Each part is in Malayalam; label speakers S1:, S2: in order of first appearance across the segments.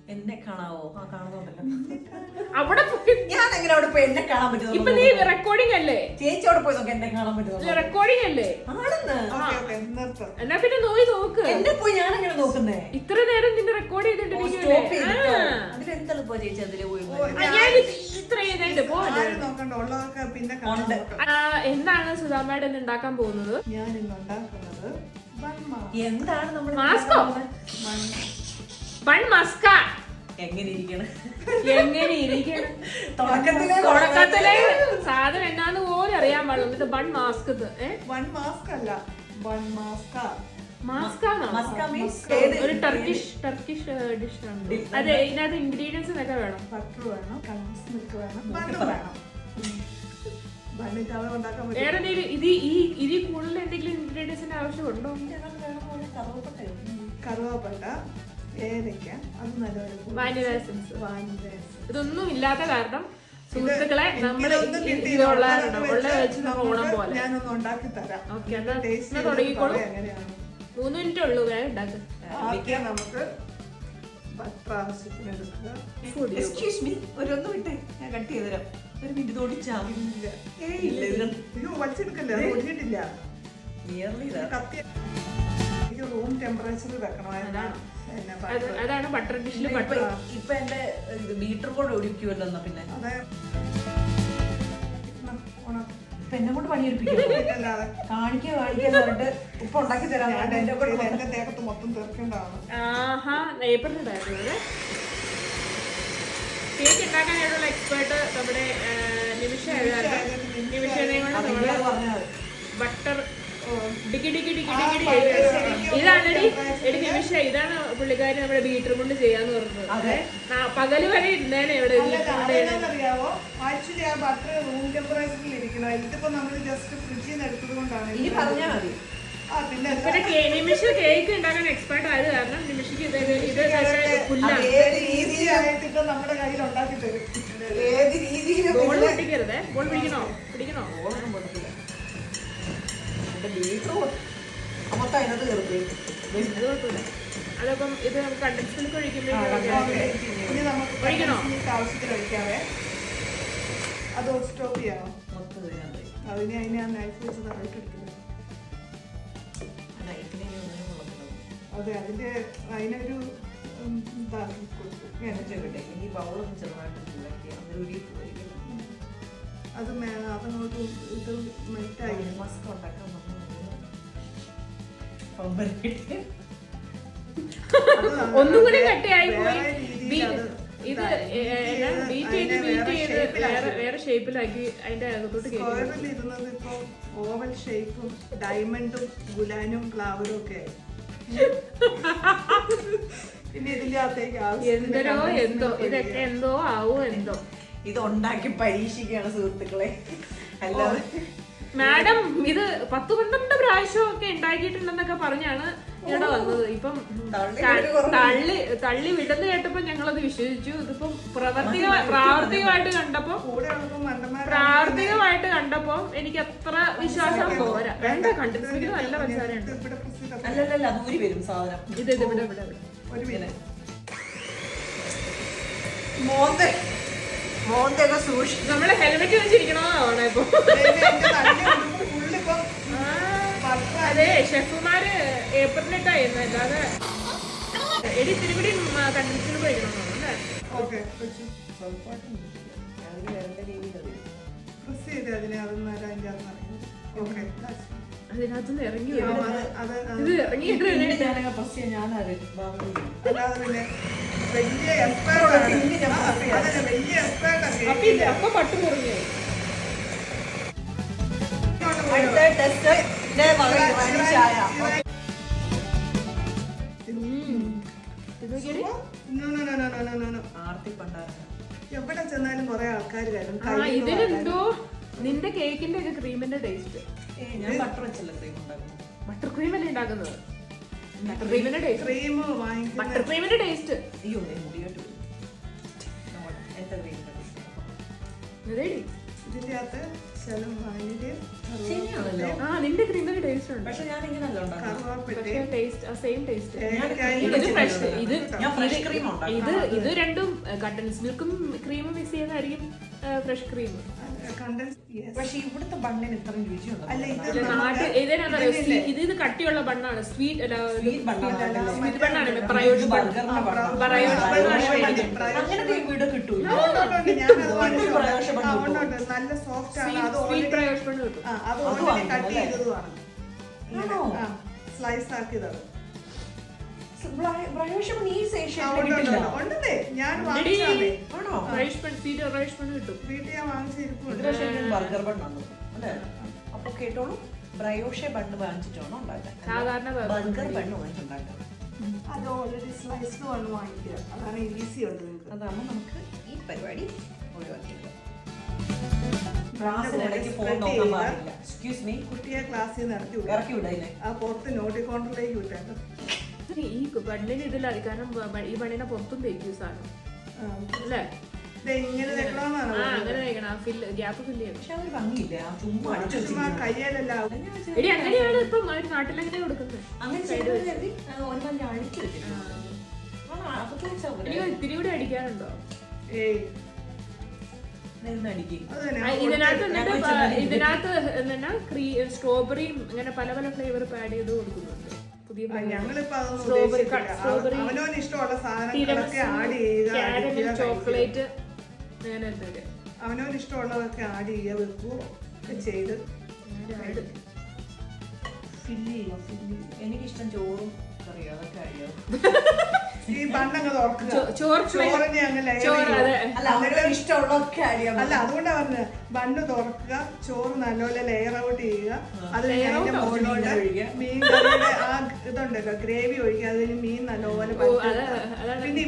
S1: എന്നെ കാണാവോ? ആ കാണുന്നുണ്ടല്ലോ.
S2: അവിടെ
S1: ഞാൻ എങ്ങനെ അവിടെ പോയി എന്നെ കാണാൻ പറ്റും?
S2: ഇപ്പൊ നീ റെക്കോർഡിംഗ് അല്ലേ?
S1: ചേച്ചി അവിടെ പോയി നോക്കി എന്നെ കാണാൻ പറ്റും.
S2: റെക്കോർഡിംഗ് അല്ലേ?
S1: ആണെന്ന്.
S2: എന്നാ പിന്നെ നോക്ക്.
S1: എന്നെ പോയി ഞാൻ എങ്ങനെ നോക്കുന്നേ?
S2: ഇത്ര നേരം നിന്നെ റെക്കോർഡ് ചെയ്തിട്ടിരിക്കുവല്ലേ?
S1: അതിലെന്തളിപ്പോ ചേച്ചി അതില് പോയി?
S2: എന്താണ് സുധാമ്മയുടെ ഇന്ന് ഉണ്ടാക്കാൻ പോകുന്നത്?
S3: ഞാൻ ഇന്ന് ഉണ്ടാക്കുന്നത്
S1: എന്താണ് നമ്മൾ
S2: ബൺ മസ്ക.
S1: എങ്ങനെ ഇരിക്കണം?
S2: തുടക്കത്തിലെ സാധനം എന്നാന്ന് പോലും അറിയാൻ പാടില്ല. എന്നിട്ട് ബൺ മാസ്ക്.
S3: ബൺ മാസ്ക് അല്ല, ബൺ മാസ്ക.
S2: ഒരു ടർക്കിഷ് ഡിഷ് ആണ്. അതെ, ഇതിനകത്ത് ഇൻഗ്രീഡിയൻസ് ഒക്കെ വേണം.
S3: ബട്ടർ വേണം, കണ്ടൻസ് മിൽക്ക് വേണം, ബണ്ണ് വേണം. ബണ്ണിന്റെ അളവ് ഉണ്ടാക്കാൻ പറ്റും.
S2: വേറെ ഇതിൽ കൂടുതൽ എന്തെങ്കിലും ഇൻഗ്രീഡിയൻസിന്റെ ആവശ്യമുണ്ടോ?
S3: കറുവാപ്പട്ട, ഏലക്ക, അത് നല്ലപോലെ
S2: വാനില എസൻസ്. ഇതൊന്നും ഇല്ലാത്ത കാരണം സുഹൃത്തുക്കളെ നമ്മൾ ഇതുള്ള വെച്ച് ഓണം പോലെ
S3: ഞാനൊന്ന് ഉണ്ടാക്കി തരാം.
S2: ഓക്കെ, എന്നാ തുടങ്ങിക്കോളൂ. 3 മിനിറ്റ് ഉള്ളൂ, വേഗം ഉണ്ടാക്കുക.
S3: ആദ്യം നമുക്ക് ബട്ടർ ആവശ്യത്തിന് എടുക്കുക.
S1: എക്സ്ക്യൂസ് മീ, ഒരൊന്നും വിട്ടേ, ഞാൻ കട്ട് ചെയ്ത് തരാം. ഒരു മിനിറ്റ് തോടിച്ചാവില്ല.
S3: അയ്യോ, വലിച്ചെടുക്കല്ലേ, അത് ഒഴിഞ്ഞിട്ടില്ല. കത്തി എനിക്ക് റൂം ടെമ്പറേച്ചറിൽ വെക്കണമായിരുന്നു.
S2: അതാണ് ബട്ടർ ഡിഷിൽ ബട്ടർ.
S1: ഇപ്പൊ എന്റെ ബീറ്റർ കൂടെ ഒഴിക്കുമല്ലോ. എന്നാ പിന്നെ
S3: അതെ,
S1: ഇപ്പൊ എന്നെ കൊണ്ട് പണിയെടുപ്പിക്കല്ലാതെ കാണിക്കാൻ പറഞ്ഞിട്ട് ഉപ്പ് ഉണ്ടാക്കി തരാൻ
S3: എന്റെ ദേഹത്ത് മൊത്തം തീർക്കേണ്ടതാണ്.
S2: ആഹാ, ഏപ്രിലുണ്ടായിരുന്നു. കേക്ക് ഉണ്ടാക്കാനായിട്ടുള്ള എക്സ്പേർട്ട് നമ്മുടെ നിമിഷ ആയിരുന്നു. നിമിഷനെയും കൊണ്ട് നമ്മള് ബട്ടർ ഇതാണെടി നിമിഷ, ഇതാണ് പുള്ളിക്കാരി നമ്മുടെ ബീറ്റർ കൊണ്ട് ചെയ്യാന്ന് പറഞ്ഞത്. പകല് വരെ ഇരുന്നേനെ ഇവിടെ.
S3: അറിയാവോ, ആക്ച്വലി ആ ബട്ടർ റൂം ടെമ്പറേച്ചറിൽ ഇരിക്കണം. ഇതിപ്പോ നമ്മൾ ജസ്റ്റ് ഫ്രിഡ്ജിൽ നിന്ന് എടുത്തത് കൊണ്ടാണ്.
S1: ഇനി പറഞ്ഞാൽ മതി.
S2: പിന്നെ നിമിഷ കേക്ക് ഉണ്ടാക്കാൻ എക്സ്പേർട്ട് ആയത് കാരണം നിമിഷക്ക്
S3: ഈസി ആയിട്ട് ഇപ്പൊ നമ്മുടെ കയ്യിൽ ഉണ്ടാക്കി തരും.
S1: ഏത് രീതിയിൽ
S2: ബോൾ പിടിക്കരുതേ. ബോൾ പിടിക്കണോ? അതപ്പം ഇത് കണ്ടൻസ് മിൽക്ക് ഒഴിക്കണോ?
S3: ആവശ്യത്തിന് ഒഴിക്കാവേ. അത് സ്റ്റോപ്പ് ചെയ്യാമോ? അതിനെ നൈഫ് വെച്ച് തറയിട്ടെടുക്കുന്നത്. അതെ, അതിനൊരു ഇതാക്കി കൊടുക്കും.
S1: ഈ ബൗളൊന്നും ചെറുതായിട്ട്
S3: അത് അതങ്ങോട്ട് ഇത് മെൽറ്റായി.
S1: മസ്ക് ഉണ്ടാക്കാൻ
S2: ഒന്നും കൂടി കട്ടയായി പോയി. ഇത് ബീറ്റ് ചെയ്ത് വേറെ ഷേപ്പിലാക്കി അതിന്റെ അകത്തോട്ട്
S3: സ്ക്വയറിൽ ഇരുന്നത് ഇപ്പൊ ഓവൽ ഷേപ്പും ഡയമണ്ടും ഗുലാനും ഫ്ലവറും ഒക്കെ. പിന്നെ ഇതിന്റെ അകത്തേക്ക്
S2: ഇതൊക്കെ എന്തോ ആവോ എന്തോ.
S1: ഇത് ഉണ്ടാക്കി പരീക്ഷിക്കുകയാണ് സുഹൃത്തുക്കളെ. അല്ലാതെ
S2: മാഡം ഇത് 10-12 പ്രാവശ്യം ഒക്കെ ഉണ്ടാക്കിയിട്ടുണ്ടെന്നൊക്കെ പറഞ്ഞാണ് ഇവിടെ വന്നത്. ഇപ്പം തള്ളി വിടുന്ന കേട്ടപ്പോ ഞങ്ങളത് വിശ്വസിച്ചു. ഇതിപ്പം പ്രാവർത്തികമായിട്ട് കണ്ടപ്പോ എനിക്ക് അത്ര വിശ്വാസം പോരാ. വേണ്ട, കണ്ടിട്ട് നല്ല പഞ്ചസാരയുണ്ട്.
S1: അല്ലല്ല, ദൂരി വരും സാധനം.
S2: ഇത് ഇവിടെ
S1: മോന്തൊക്കെ സൂക്ഷിച്ചു.
S2: നമ്മള് ഹെൽമെറ്റ് വെച്ചിരിക്കണോന്നാണ് ഇപ്പൊ. അതെ, ഷെഫുമാര് ഏപ്രിലിട്ടായിരുന്നു. അല്ലാതെ എടി തിരുപിടി കണ്ടിന്യൂസിന് പോയിക്കണമെന്നാണ് അല്ലേ? അതിനകത്തുനിന്ന് ഇറങ്ങി ഇത് ഇറങ്ങിയിട്ട് അപ്പൊ പട്ട് കുറഞ്ഞു.
S3: എവിടെ ചെന്നാലും കുറെ ആൾക്കാർ വരും.
S2: ഇതിലെന്തോ നിന്റെ കേക്കിന്റെ ഒക്കെ ക്രീമിന്റെ ടേസ്റ്റ്.
S1: ഞാൻ ബട്ടർ വെച്ചല്ല ക്രീം ഉണ്ടാക്കുന്നത്.
S2: ബട്ടർ ക്രീം അല്ലേ ഉണ്ടാക്കുന്നത്? ബട്ടർ ക്രീമിന്റെ ടേസ്റ്റ്.
S1: അയ്യോ, മുടിയോട്ട്
S3: ഇതിന്റെ അകത്ത് ശകലം വാനിലയും
S1: ശരിയാണല്ലോ.
S2: നിന്റെ ക്രീമിന് ടേസ്റ്റ് ഉണ്ട്.
S1: പക്ഷെ ഞാൻ ഇങ്ങനല്ല ഉണ്ടാക്കുന്നത്.
S3: കറുവാപ്പട്ടയും
S2: സെയിം ടേസ്റ്റ്.
S3: ഏലക്കായും
S2: ഇത് ഫ്രഷ്.
S1: ഞാൻ ഫ്രഷ് ക്രീം ഉണ്ടാക്കും.
S2: ഇത് രണ്ടും കണ്ടൻസ് മിൽക്കും ക്രീമും മിക്സ് ചെയ്യുന്നതായിരിക്കും ഫ്രഷ് ക്രീം.
S3: കണ്ടൻസ്.
S1: പക്ഷെ ഇവിടുത്തെ ബണ്ണിന് ഇത്രയും രുചിയുണ്ട്.
S3: അല്ല
S2: ഇത് കട്ടിയുള്ള ബണ്ണാണ്. സ്വീറ്റ്
S1: സ്വീറ്റ് ബണ്ണാണ്.
S2: സ്വീറ്റ് ബണ്ണാണ്. പ്രയോജ്
S1: അങ്ങനത്തെ ഇവിടെ കിട്ടൂല.
S3: നല്ല സോഫ്റ്റ് ആണ്. അത്
S2: സ്വീറ്റ് പ്രയോജ് ബണ്ണ് കിട്ടും.
S3: അത് ഓൾറെഡി കട്ട് ചെയ്തതുമാണ്. സ്ലൈസ് ആക്കിയതാണ്. ഉണ്ടല്ലേ, ഞാൻ വാങ്ങിച്ചാലേ. വീട്ടിൽ ഞാൻ വാങ്ങിച്ചിരിക്കുന്നുണ്ട്.
S1: ബർഗർ ബണ്ണാണ് അല്ലേ? അപ്പൊ കേട്ടോളൂ, ബ്രയോഷെ ബണ്ണ് വാങ്ങിച്ചിട്ടാണോ ഉണ്ടാക്കാൻ?
S2: സാധാരണ
S1: ബർഗർ ബണ്ണ് വാങ്ങിച്ചുണ്ടാക്കാം.
S3: അത് ഓൾറെഡി സ്ലൈസ്ഡ് വണ്ണ് വാങ്ങിക്കുക. അതാണ് ഈസി ഉണ്ട് നിങ്ങൾക്ക്.
S1: അതാകുമ്പോൾ നമുക്ക് ഈ പരിപാടി ഒഴിവാക്കിയത്. ക്ലാസ്സിനിടയ്ക്ക് ഫോൺ നോക്കാൻ പാടില്ല. എക്സ്ക്യൂസ് മീ,
S3: കുട്ടിയെ ക്ലാസ്സിൽ നിന്ന്
S1: ഇറക്കി വിടായില്ലേ?
S3: ആ പുറത്ത് നോട്ടിക്കോണ്ടറിലേക്ക് വിട്ടേക്കും.
S2: ഈ ബണ്ണിന് ഇതിലാണ്, കാരണം ഈ ബണ്ണിനെ പുറത്തും തേക്കും സാധനം അല്ലേ?
S3: ഇങ്ങനെ തെക്കണമെന്നാണ്.
S2: അങ്ങനെ തേക്കണം, ഗ്യാപ്പ് ഫില്ല് ചെയ്യണം.
S1: പക്ഷെ അതൊരു ഭംഗിയില്ല. ചുമ്മാ അടിച്ചു
S3: ചുമ്മാ കയ്യിലല്ല.
S2: എടി അങ്ങനെയാണ് ഇപ്പം നാട്ടിലെങ്ങനെ കൊടുക്കുന്നത്.
S1: അങ്ങനെ ചെയ്ത് കരുതി ഒരെണ്ണം അടിച്ചു വെച്ചിട്ടുണ്ട്.
S2: എനിക്ക് ഇത്തിരി കൂടി അടിക്കാനുണ്ടോ?
S3: ഏയ്
S2: ഇതിനകത്ത് എന്നാ സ്ട്രോബെറിയും അങ്ങനെ പല പല ഫ്ലേവർ ആഡ് ചെയ്ത് കൊടുക്കുന്നുണ്ട്. പുതിയ സ്ട്രോബെറി,
S3: ഇഷ്ടമുള്ള സാധനങ്ങളൊക്കെ ആഡ് ചെയ്യുക,
S2: ചോക്ലേറ്റ്, അങ്ങനെ എന്തൊക്കെ
S3: അവനവന് ഇഷ്ടമുള്ളതൊക്കെ ആഡ് ചെയ്യുക, വെക്കുക ഒക്കെ ചെയ്ത്
S1: ഫില്ല് ചെയ്യുക. എനിക്കിഷ്ടം ചോറും കറിയും, അതൊക്കെ അറിയാം.
S3: ഈ ബണ്ണങ്ങ് തുറക്കുക, ചോറിനെ അങ്ങ്
S1: ഇഷ്ടമുള്ളതൊക്കെ അറിയാം.
S3: അല്ല, അതുകൊണ്ടാ പറഞ്ഞത് ബണ്ണ് തുറക്കുക, ചോറ് നല്ലപോലെ ലെയർ ഔട്ട് ചെയ്യുക, അത് അതിന്റെ മുകളിലോട്ട് മീൻ കറിയുടെ ആ ഇതുണ്ടല്ലോ ഗ്രേവി ഒഴിക്കുക, അതിന് മീൻ നല്ലപോലെ പിന്നെ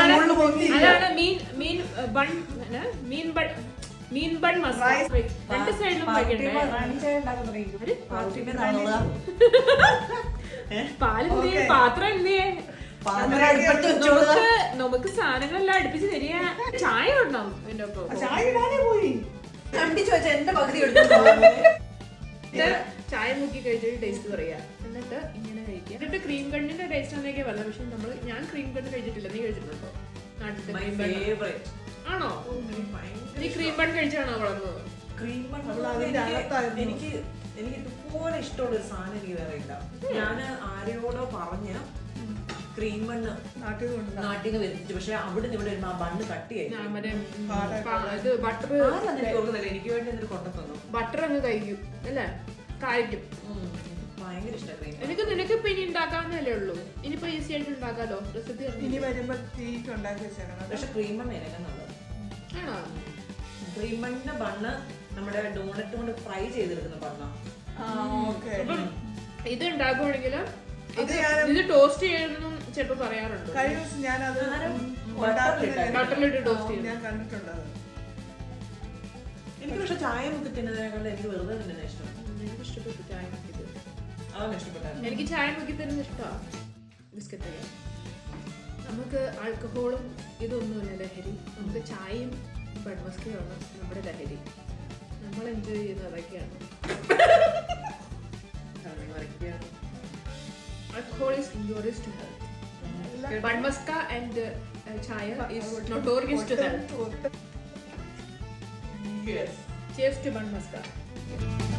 S2: മീൻ ബൺ മസാല രണ്ട് സൈഡിലും പാലെന്തിയെ, പാത്രം എന്തിയെ, നമുക്ക് സാധനങ്ങളെല്ലാം അടുപ്പിച്ച് തരിക. ചായ ഉണ്ടാവും എന്റെ ഒപ്പം.
S3: ചായ ഇടാനേ പോയി
S1: കണ്ടിച്ചു വെച്ചാൽ എന്റെ പകുതി
S2: ചായ മുക്കി കഴിച്ചിട്ട് ടേസ്റ്റ് പറയാ, എന്നിട്ട് ഇങ്ങനെ കഴിക്കുക. എന്നിട്ട് ക്രീം കണ്ണിന്റെ ടേസ്റ്റ് എന്നൊക്കെ പറഞ്ഞത്. പക്ഷെ ഞാൻ ക്രീം കണ്ണ് കഴിച്ചിട്ടില്ല. നീ കഴിച്ചിട്ടുണ്ടോ? നാട്ടിലത്തെ ക്രീം ബൺ ആണോ? നീ ക്രീം ബൺ കഴിച്ചാണോ വളർന്നത്?
S1: ക്രീം ബൺ എനിക്ക് ഇതുപോലെ ഇഷ്ടമുള്ള ഒരു സാധനം എനിക്ക് വേറെ ഇല്ല. ഞാൻ ആരോടോ പറഞ്ഞ് ക്രീം ബണ്ണ് നാട്ടിൽ നിന്ന് വരുത്തിച്ചു. പക്ഷെ അവിടെ നിന്ന് ഇവിടെ ആ ബണ്ണ് കട്ടിയായി. എനിക്ക് വേണ്ടി എന്തൊരു കൊണ്ടു
S2: ബട്ടർ അങ്ങ് കഴിക്കും അല്ലേ? കഴിക്കും.
S1: ഭയങ്കര ഇഷ്ടം.
S2: എനിക്ക് നിനക്ക് ഇപ്പൊ ഇനി ഉണ്ടാക്കാവുന്നല്ലേ ഉള്ളൂ. ഇനിയിപ്പോ ഈസി ആയിട്ട് ഉണ്ടാക്കാലോ. റെസിപ്പി
S3: ഇനി വരുമ്പോ തീറ്റ് ഉണ്ടാക്കി വെച്ചേക്കണം.
S1: പക്ഷെ ക്രീം ബണ്ണ് എല്ലാം നല്ലത്.
S2: ആണോ?
S1: ക്രീം ബണ്ണിന്റെ ബണ്ണ് നമ്മുടെ ഡോണറ്റ് കൊണ്ട് ഫ്രൈ ചെയ്തെടുക്കുന്ന ബണ്ണ.
S2: ഇത് ഉണ്ടാക്കുവാണെങ്കിൽ ഇത് ടോസ്റ്റ് ചെയ്യണമെന്നും ചിലപ്പോ പറയാറുണ്ട്.
S3: ഞാനത്
S2: ബട്ടറിലിട്ട് ടോസ്റ്റ് ചെയ്യും.
S3: ഞാൻ കണ്ടിട്ടുണ്ട്.
S1: എനിക്ക് പക്ഷെ ചായ മുക്കി തിന്നതിനേക്കാൾ എനിക്ക് വെറുതെ തന്നെ ഇഷ്ടം.
S2: എനിക്ക് ഇഷ്ടപ്പെട്ടു ചായ മുക്കി.
S1: അതാണ് ഇഷ്ടപ്പെട്ടത്.
S2: എനിക്ക് ചായ മുക്കി തരുന്ന ഇഷ്ടമാണ്. ബിസ്ക്കറ്റ് നമുക്ക് ആൽക്കഹോളും ഇതൊന്നുമില്ല ലഹരി. നമുക്ക് ചായയും ബൺമസ്കയുമാണ് നമ്മുടെ ലഹരി. നമ്മൾ എൻജോയ് ചെയ്യുന്നത് അതൊക്കെയാണ്. Alcohol is injurious to health. Banmaska and chaya is notorious to health.
S1: Yes.
S2: Cheers to Banmaska.